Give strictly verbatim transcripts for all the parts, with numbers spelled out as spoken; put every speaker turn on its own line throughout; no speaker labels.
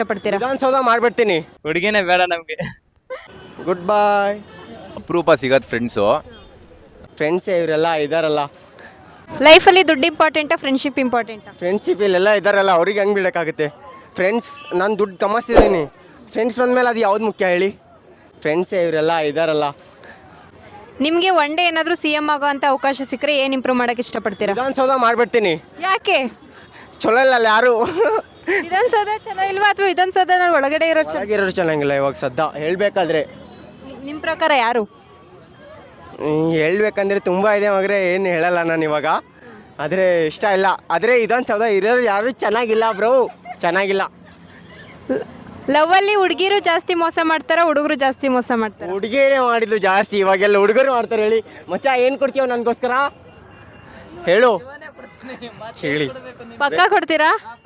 ಇಷ್ಟಪಡ್ತೀರಾ?
ವಿಧಾನಸೌಧ ಮಾಡ್ಬಿಡ್ತೀನಿ.
ಹುಡುಗಿನೇ ಬೇಡ ನಮಗೆ.
Goodbye.
ಅಪರೂಪ ಸಿಗೋದು ಫ್ರೆಂಡ್ಸು.
ಫ್ರೆಂಡ್ಸೇ ಇವರೆಲ್ಲ ಇದಾರಲ್ಲ.
ಲೈಫಲ್ಲಿ ದುಡ್ಡು ಇಂಪಾರ್ಟೆಂಟಾ ಫ್ರೆಂಡ್ಶಿಪ್ ಇಂಪಾರ್ಟೆಂಟಾ?
ಫ್ರೆಂಡ್ಶಿಪ್ ಇಲ್ಲೆಲ್ಲ ಇದಾರಲ್ಲ ಅವ್ರಿಗೆ ಹೆಂಗೆ ಬಿಡೋಕ್ಕಾಗುತ್ತೆ? ಫ್ರೆಂಡ್ಸ್ ನಾನು ದುಡ್ಡು ಕಮಾಸ್ತಿದ್ದೀನಿ, ಫ್ರೆಂಡ್ಸ್ ಬಂದಮೇಲೆ ಅದು ಯಾವ್ದು ಮುಖ್ಯ ಹೇಳಿ? ಫ್ರೆಂಡ್ಸೇ ಇವರೆಲ್ಲ ಇದಾರಲ್ಲ.
ನಿಮಗೆ ಒನ್ ಡೇ ಏನಾದರೂ ಸಿ ಎಮ್ ಆಗೋ ಅಂತ ಅವಕಾಶ ಸಿಕ್ಕರೆ ಏನು ಇಂಪ್ರೂವ್ ಮಾಡೋಕ್ಕೆ ಇಷ್ಟಪಡ್ತೀರಾ?
ವಿಧಾನಸೌಧ ಮಾಡ್ಬಿಡ್ತೀನಿ.
ಯಾಕೆ?
ಚಲೋ ಇಲ್ಲ ಯಾರು.
ವಿಧಾನಸೌಧ ಚಲೋ ಇಲ್ವಾ ಅಥವಾ ವಿಧಾನಸೌಧ ಒಳಗಡೆ ಇರೋ ಚಲೋ?
ಚೆನ್ನಾಗಿರೋರು ಚೆನ್ನಾಗಿಲ್ಲ ಇವಾಗ ಸದ್ದ ಹೇಳಬೇಕಾದ್ರೆ.
ನಿಮ್ಮ ಪ್ರಕಾರ ಯಾರು?
ಹೇಳ್ಬೇಕಂದ್ರೆ ತುಂಬ ಇದೆ ಮಗರೆ, ಏನು ಹೇಳಲ್ಲ ನಾನು ಇವಾಗ. ಆದರೆ ಇಷ್ಟ ಇಲ್ಲ. ಆದರೆ ವಿಧಾನಸೌಧ ಇರೋರು ಯಾರು ಚೆನ್ನಾಗಿಲ್ಲ ಬ್ರೋ, ಚೆನ್ನಾಗಿಲ್ಲ.
ಲವ್ವಲ್ಲಿ ಹುಡುಗಿರು ಜಾಸ್ತಿ ಮೋಸ ಮಾಡ್ತಾರಾ ಹುಡುಗರು ಜಾಸ್ತಿ ಮೋಸ ಮಾಡ್ತಾರಾ?
ಹುಡುಗಿಯರೇ ಮಾಡಿದ್ದು ಜಾಸ್ತಿ, ಇವಾಗೆಲ್ಲ ಹುಡುಗರು ಮಾಡ್ತಾರೆ. ಹೇಳಿ ಮಚ್ಚ, ಏನು ಕೊಡ್ತೀವ ನನಗೋಸ್ಕರ ಹೇಳು, ಹೇಳಿ.
ಪಕ್ಕ ಕೊಡ್ತೀರಾ?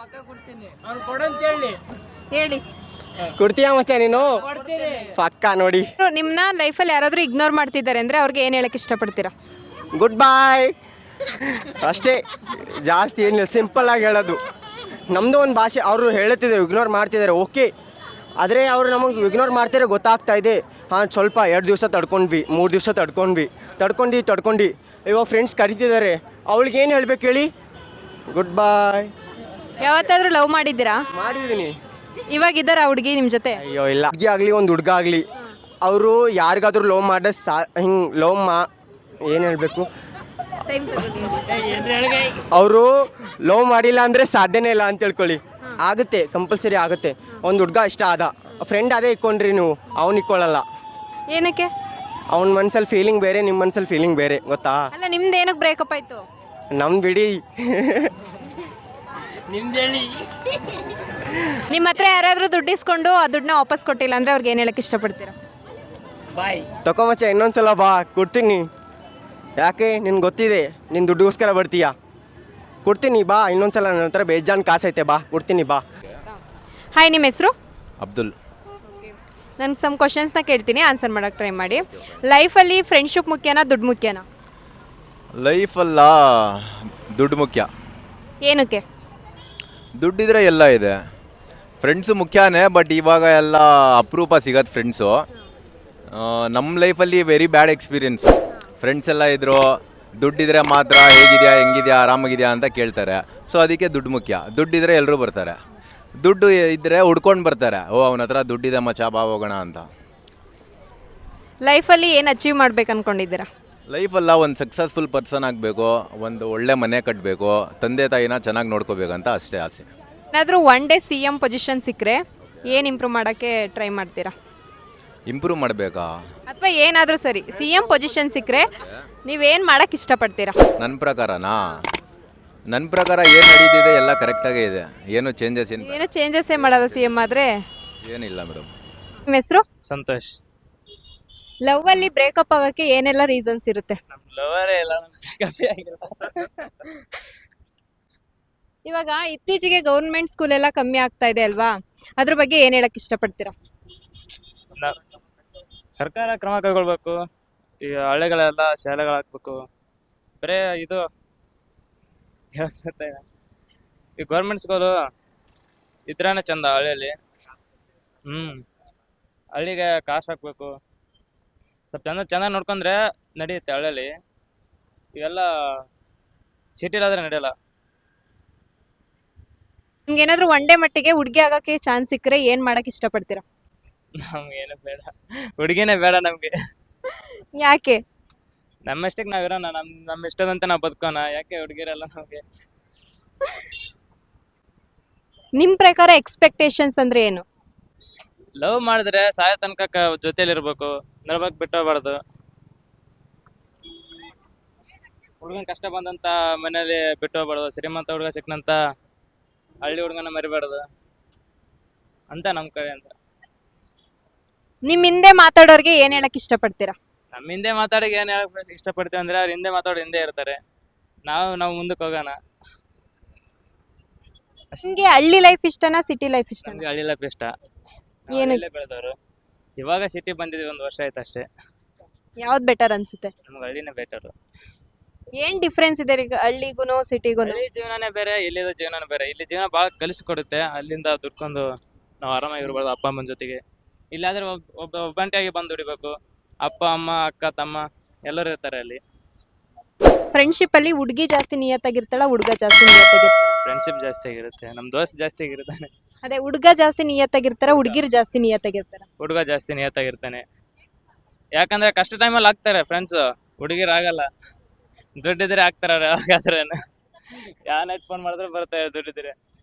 ಹೇಳಿ.
ಕೊಡ್ತೀಯ ಮಚ್ಚ ನೀನು? ಪಕ್ಕ ನೋಡಿ.
ನಿಮ್ಮನ್ನ ಲೈಫಲ್ಲಿ ಯಾರಾದರೂ ಇಗ್ನೋರ್ ಮಾಡ್ತಿದ್ದಾರೆ ಅಂದರೆ ಅವ್ರಿಗೆ ಏನು ಹೇಳಕ್ಕೆ ಇಷ್ಟಪಡ್ತೀರಾ?
ಗುಡ್ ಬಾಯ್ ಅಷ್ಟೇ, ಜಾಸ್ತಿ ಏನಿಲ್ಲ, ಸಿಂಪಲ್ ಆಗಿ ಹೇಳೋದು. ನಮ್ಮದು ಒಂದು ಭಾಷೆ, ಅವರು ಹೇಳುತ್ತಿದ್ದಾರೆ ಇಗ್ನೋರ್ ಮಾಡ್ತಿದ್ದಾರೆ, ಓಕೆ. ಆದರೆ ಅವರು ನಮಗೆ ಇಗ್ನೋರ್ ಮಾಡ್ತಿದ್ರೆ ಗೊತ್ತಾಗ್ತಾ ಇದೆ. ಹಾಂ, ಸ್ವಲ್ಪ ಎರಡು ದಿವಸ ತಡ್ಕೊಂಡ್ವಿ, ಮೂರು ದಿವಸ ತಡ್ಕೊಂಡ್ವಿ ತಡ್ಕೊಂಡು ತಡ್ಕೊಂಡು ಇವಾಗ ಫ್ರೆಂಡ್ಸ್ ಕರಿತಿದ್ದಾರೆ, ಅವಳಿಗೇನು ಹೇಳ್ಬೇಕು ಹೇಳಿ? Goodbye.
ಯಾವತ್ತಾದರೂ ಲವ್ ಮಾಡಿದ್ದೀರಾ?
ಮಾಡಿದ್ದೀನಿ.
ಇವಾಗ ಇದ್ದಾರಾ ಹುಡುಗಿ ನಿಮ್ಮ ಜೊತೆ?
ಅಯ್ಯೋ ಇಲ್ಲ. ಹುಡುಗಿ ಆಗಲಿ ಒಂದು ಹುಡುಗ ಆಗಲಿ, ಅವರು ಯಾರಿಗಾದ್ರೂ ಲವ್ ಮಾಡೋ ಸಾ ಹಿಂಗೆ ಲವ್ ಮಾ ಏನು ಹೇಳಬೇಕು, ಅವರು ಲವ್ ಮಾಡಿಲ್ಲ ಅಂದರೆ ಸಾಧ್ಯನೇ ಇಲ್ಲ ಅಂತ ತಿಳ್ಕೊಳ್ಳಿ. ಆಗುತ್ತೆ, ಕಂಪಲ್ಸರಿ ಆಗುತ್ತೆ. ಒಂದು ಹುಡುಗ ಇಷ್ಟ ಆದ, ಫ್ರೆಂಡ್ ಅದೇ ಇಕ್ಕೊಂಡ್ರಿ ನೀವು, ಅವ್ನು ಇಕ್ಕೊಳ್ಳಲ್ಲ.
ಏನಕ್ಕೆ?
ಅವ್ನ ಮನ್ಸಲ್ಲಿ ಫೀಲಿಂಗ್ ಬೇರೆ, ನಿಮ್ಮ ಮನ್ಸಲ್ಲಿ ಫೀಲಿಂಗ್ ಬೇರೆ, ಗೊತ್ತಾ?
ಅಲ್ಲ, ನಿಮ್ದು ಏನಕ್ಕೆ ಬ್ರೇಕಪ್ ಆಯಿತು?
ನಮ್ದು ಬಿಡಿ.
ನಿಮ್ಮ ಹತ್ರ ಯಾರಾದರೂ ದುಡ್ಡು ಇಸ್ಕೊಂಡು ಆ ದುಡ್ಡನ್ನ ವಾಪಸ್ ಕೊಟ್ಟಿಲ್ಲ ಅಂದರೆ ಅವ್ರಿಗೆ ಏನು ಹೇಳಕ್ಕೆ ಇಷ್ಟಪಡ್ತೀರಾ?
ತಕೊಂಬಚ್ಚ, ಇನ್ನೊಂದ್ಸಲ ಬಾ, ಕೊಡ್ತೀನಿ. ಯಾಕೆ? ನಿನ್ಗೆ ಗೊತ್ತಿದೆ ನೀನು ದುಡ್ಡುಗೋಸ್ಕರ ಬರ್ತೀಯಾ. ಕೊಡ್ತೀನಿ ಬಾ, ಇನ್ನೊಂದ್ಸಲ ನನ್ನ ಹತ್ರ ಬೇಜಾನ್ ಕಾಸೈತೆ, ಬಾ ಕೊಡ್ತೀನಿ ಬಾ.
ಹಾಯ್, ನಿಮ್ಮ ಹೆಸರು?
ಅಬ್ದುಲ್.
ನಾನು ಸಮ್ ಕ್ವಶನ್ಸ್ನ ಕೇಳ್ತೀನಿ, ಆನ್ಸರ್ ಮಾಡೋಕ್ಕೆ ಟ್ರೈ ಮಾಡಿ. ಲೈಫಲ್ಲಿ ಫ್ರೆಂಡ್ಶಿಪ್ ಮುಖ್ಯನಾ ದುಡ್ಡು ಮುಖ್ಯನಾ?
ಲೈಫಲ್ಲ ದುಡ್ಡು ಮುಖ್ಯ.
ಏನಕ್ಕೆ?
ದುಡ್ಡಿದ್ರೆ ಎಲ್ಲ ಇದೆ. ಫ್ರೆಂಡ್ಸು ಮುಖ್ಯನೇ, ಬಟ್ ಇವಾಗ ಎಲ್ಲ ಅಪರೂಪ ಸಿಗೋದು ಫ್ರೆಂಡ್ಸು. ನಮ್ಮ ಲೈಫಲ್ಲಿ ವೆರಿ ಬ್ಯಾಡ್ ಎಕ್ಸ್ಪೀರಿಯೆನ್ಸು. ಫ್ರೆಂಡ್ಸ್ ಎಲ್ಲ ಇದ್ದರು, ದುಡ್ಡಿದ್ರೆ ಮಾತ್ರ ಹೇಗಿದೆಯಾ ಹೆಂಗಿದೆಯಾ ಆರಾಮಾಗಿದೆಯಾ ಅಂತ ಕೇಳ್ತಾರೆ. ಸೊ ಅದಕ್ಕೆ ದುಡ್ಡು ಮುಖ್ಯ. ದುಡ್ಡಿದ್ರೆ ಎಲ್ಲರೂ ಬರ್ತಾರೆ, ದುಡ್ಡು ಇದ್ದರೆ ಹುಡ್ಕೊಂಡು ಬರ್ತಾರೆ. ಓ, ಅವನ ಹತ್ರ ದುಡ್ಡಿದೆ ಮಚ್ಚ, ಬಾ ಹೋಗೋಣ ಅಂತ.
ಲೈಫಲ್ಲಿ ಏನು ಅಚೀವ್ ಮಾಡ್ಬೇಕು ಅಂದ್ಕೊಂಡಿದ್ದೀರಾ?
ಲೈಫಲ್ಲ ಒಂದು ಸಕ್ಸಸ್ಫುಲ್ ಪರ್ಸನ್ ಆಗಬೇಕು, ಒಂದು ಒಳ್ಳೆ ಮನೆ ಕಟ್ಟಬೇಕು, ತಂದೆ ತಾಯಿನ ಚೆನ್ನಾಗಿ ನೋಡ್ಕೋಬೇಕಂತ ಅಷ್ಟೇ ಆಸೆ.
ಏನಾದರೂ one day C M position ಸಿಕ್ಕರೆ ಏನು ಇಂಪ್ರೂವ್ ಮಾಡೋಕ್ಕೆ ಟ್ರೈ ಮಾಡ್ತೀರಾ?
ಇಂಪ್ರೂವ್ ಮಾಡಬೇಕಾ?
ಅಥವಾ ಏನಾದರೂ ಸರಿ, ಸಿ ಎಮ್ ಪೊಸಿಷನ್ ಸಿಕ್ಕರೆ ನೀವೇನು ಮಾಡೋಕ್ಕೆ ಇಷ್ಟಪಡ್ತೀರಾ?
ನನ್ನ ಪ್ರಕಾರನಾ? ನನ್ನ ಪ್ರಕಾರ ಏನು ನಡೀತಿದೆ ಎಲ್ಲ ಕರೆಕ್ಟಾಗೇ ಇದೆ, ಏನು ಚೇಂಜಸ್ ಏನು
ಏನು ಚೇಂಜಸ್ಸೇ ಮಾಡೋದು ಸಿ ಎಮ್ ಆದರೆ?
ಏನಿಲ್ಲ ಮೇಡಮ್.
ನಿಮ್ಮ ಹೆಸರು?
ಸಂತೋಷ್.
ಲವ್ವಲ್ಲಿ ಬ್ರೇಕಪ್ ಆಗೋಕ್ಕೆ ಏನೆಲ್ಲ ರೀಸನ್ಸ್ ಇರುತ್ತೆ?
ನಮ್ಮ ಲವರೇ ಇಲ್ಲ, ನಮ್ಮ ಬ್ರೇಕಪ್ಪೇ ಆಗಿಲ್ಲ.
ಇವಾಗ ಇತ್ತೀಚೆಗೆ ಗೌರ್ಮೆಂಟ್ ಸ್ಕೂಲ್ ಎಲ್ಲ ಕಮ್ಮಿ ಆಗ್ತಾ ಇದೆ ಅಲ್ವಾ, ಅದ್ರ ಬಗ್ಗೆ ಏನು ಹೇಳಕ್ಕೆ ಇಷ್ಟಪಡ್ತೀರಾ?
ನಾವು ಸರ್ಕಾರ ಕ್ರಮ ಕೈಗೊಳ್ಬೇಕು. ಈ ಹಳ್ಳಿಗಳೆಲ್ಲ ಶಾಲೆಗಳು ಹಾಕ್ಬೇಕು. ಬರೇ ಇದು ಹೇಳ್ತಾ ಈ ಗೌರ್ಮೆಂಟ್ ಸ್ಕೂಲು ಇದ್ರಾನೆ ಚಂದ ಹಳ್ಳಿಯಲ್ಲಿ. ಹ್ಞೂ ಹಳ್ಳಿಗೆ ಕಾಸು ಹಾಕ್ಬೇಕು, ಸ್ವಲ್ಪ ಚಂದ ಚೆನ್ನಾಗಿ ನೋಡ್ಕೊಂಡ್ರೆ ನಡೆಯುತ್ತೆ ಹಳ್ಳಿಯಲ್ಲಿ. ಇವೆಲ್ಲ ಸಿಟಿಲಾದರೆ ನಡೆಯಲ್ಲ.
ನಿಮ್ಗೆ ಏನಾದರೂ ಒನ್ ಡೇ ಮಟ್ಟಿಗೆ ಹುಡುಗಿ ಆಗೋಕ್ಕೆ ಚಾನ್ಸ್ ಸಿಕ್ಕರೆ ಏನು ಮಾಡೋಕ್ಕೆ ಇಷ್ಟಪಡ್ತೀರಾ?
ನಮ್ಗೇನು ಬೇಡ, ಹುಡುಗಿನೇ ಬೇಡ ನಮಗೆ.
ಯಾಕೆ?
ನಮ್ಮಷ್ಟಕ್ಕೆ ನಾವು ಇರೋಣ, ನಮ್ಮ ನಮ್ಮ ಇಷ್ಟದಂತೆ ನಾವು ಬದುಕೋಣ. ಯಾಕೆ ಹುಡುಗಿರಲ್ಲ ನಮಗೆ?
ನಿಮ್ಮ ಪ್ರಕಾರ ಎಕ್ಸ್ಪೆಕ್ಟೇಷನ್ಸ್ ಅಂದರೆ ಏನು?
ಲವ್ ಮಾಡಿದ್ರೆ ಸಾಯೋ ತನಕ ಜೊತೆಲಿರ್ಬೇಕು, ನಡ್ಬೇಕು, ಬಿಟ್ಟು ಹೋಗ್ಬಾರ್ದು. ಹುಡುಗನ ಕಷ್ಟ ಬಂದಂತ ಮನೇಲಿ ಬಿಟ್ಟು ಹೋಗ್ಬಾರ್ದು. ಶ್ರೀಮಂತ ಹುಡುಗ ಸಿಕ್ಕನಂತ ಹಳ್ಳಿ ಹುಡುಗನ ಮರಿಬಾರ್ದು ಅಂತ ನಮ್ಮ ಕಡೆ ಅಂತ.
ನಿಮ್ಮ ಹಿಂದೆ ಮಾತಾಡೋರಿಗೆ ಏನು ಹೇಳಕ್ಕೆ ಇಷ್ಟಪಡ್ತೀರಾ?
ನಮ್ಮ ಹಿಂದೆ ಮಾತಾಡಿಗೆ ಏನು ಹೇಳಕ್ ಇಷ್ಟಪಡ್ತೀವಿ ಅಂದ್ರೆ, ಅವ್ರ ಹಿಂದೆ ಮಾತಾಡೋ ಹಿಂದೆ ಇರ್ತಾರೆ, ನಾವು ನಾವು ಮುಂದಕ್ಕೆ ಹೋಗೋಣ.
ನಿಮಗೆ ಹಳ್ಳಿ ಲೈಫ್ ಇಷ್ಟನಾ ಸಿಟಿ ಲೈಫ್ ಇಷ್ಟನಾ?
ನಮ್ಗೆ ಹಳ್ಳಿ ಲೈಫ್ ಇಷ್ಟ.
ಏನು?
ಬೆಳೆದವರು. ಇವಾಗ ಸಿಟಿ ಬಂದಿದ್ವಿ, ಒಂದು ವರ್ಷ ಆಯ್ತು ಅಷ್ಟೇ.
ಯಾವ್ದು ಬೆಟರ್ ಅನ್ಸುತ್ತೆ?
ನಮ್ಗೆ ಹಳ್ಳಿನೇ ಬೆಟರು.
ಏನು ಡಿಫ್ರೆನ್ಸ್ ಇದೆ ಈಗ ಹಳ್ಳಿಗೂ ಸಿಟಿಗೂ?
ಹಳ್ಳಿ ಜೀವನನೇ ಬೇರೆ, ಇಲ್ಲಿದ ಜೀವನನೇ ಬೇರೆ. ಇಲ್ಲಿ ಜೀವನ ಭಾಳ ಕಲಿಸ್ಕೊಡುತ್ತೆ, ಅಲ್ಲಿಂದ ದುಡ್ಕೊಂಡು ನಾವು ಆರಾಮಾಗಿ ಇರ್ಬೋದು ಅಪ್ಪ ಅಮ್ಮನ ಜೊತೆಗೆ. ಇಲ್ಲಾದ್ರೆ ಒಬ್ಬ ಒಬ್ಬ ಒಬ್ಬಂಟಿಯಾಗಿ ಬಂದು ದುಡಿಬೇಕು. ಅಪ್ಪ ಅಮ್ಮ ಅಕ್ಕ ತಮ್ಮ ಎಲ್ಲರೂ ಇರ್ತಾರೆ ಅಲ್ಲಿ.
ಫ್ರೆಂಡ್ಶಿಪ್ಪಲ್ಲಿ ಹುಡುಗಿ ಜಾಸ್ತಿ ನಿಯತ್ತಾಗಿರ್ತಾಳ, ಹುಡುಗ ಜಾಸ್ತಿ ನಿಯತ್ತಾಗಿರ್ತಾರ?
ಫ್ರೆಂಡ್ಶಿಪ್ ಜಾಸ್ತಿ ಆಗಿರುತ್ತೆ, ನಮ್ಮ ದೋಸ್ತ್ ಜಾಸ್ತಿ ಆಗಿರ್ತಾನೆ.
ಅದೇ ಹುಡುಗ ಜಾಸ್ತಿ ನಿಯತ್ತಾಗಿರ್ತಾರ, ಹುಡುಗಿರು ಜಾಸ್ತಿ ನಿಯತ್ತಾಗಿರ್ತಾರ?
ಹುಡುಗ ಜಾಸ್ತಿ ನಿಯತ್ತಾಗಿರ್ತಾನೆ. ಯಾಕಂದ್ರೆ ಕಷ್ಟ ಟೈಮಲ್ಲಿ ಆಗ್ತಾರೆ ಫ್ರೆಂಡ್ಸ್, ಹುಡುಗಿರು ಆಗಲ್ಲ. ದುಡ್ಡಿದ್ರೆ ಆಗ್ತಾರ ಯಾವಾಗಾದ್ರೆ. ಯಾವನಾಯ್ತು ಫೋನ್ ಮಾಡಿದ್ರೆ ಬರ್ತಾರೆ ದುಡ್ಡಿದ್ರೆ.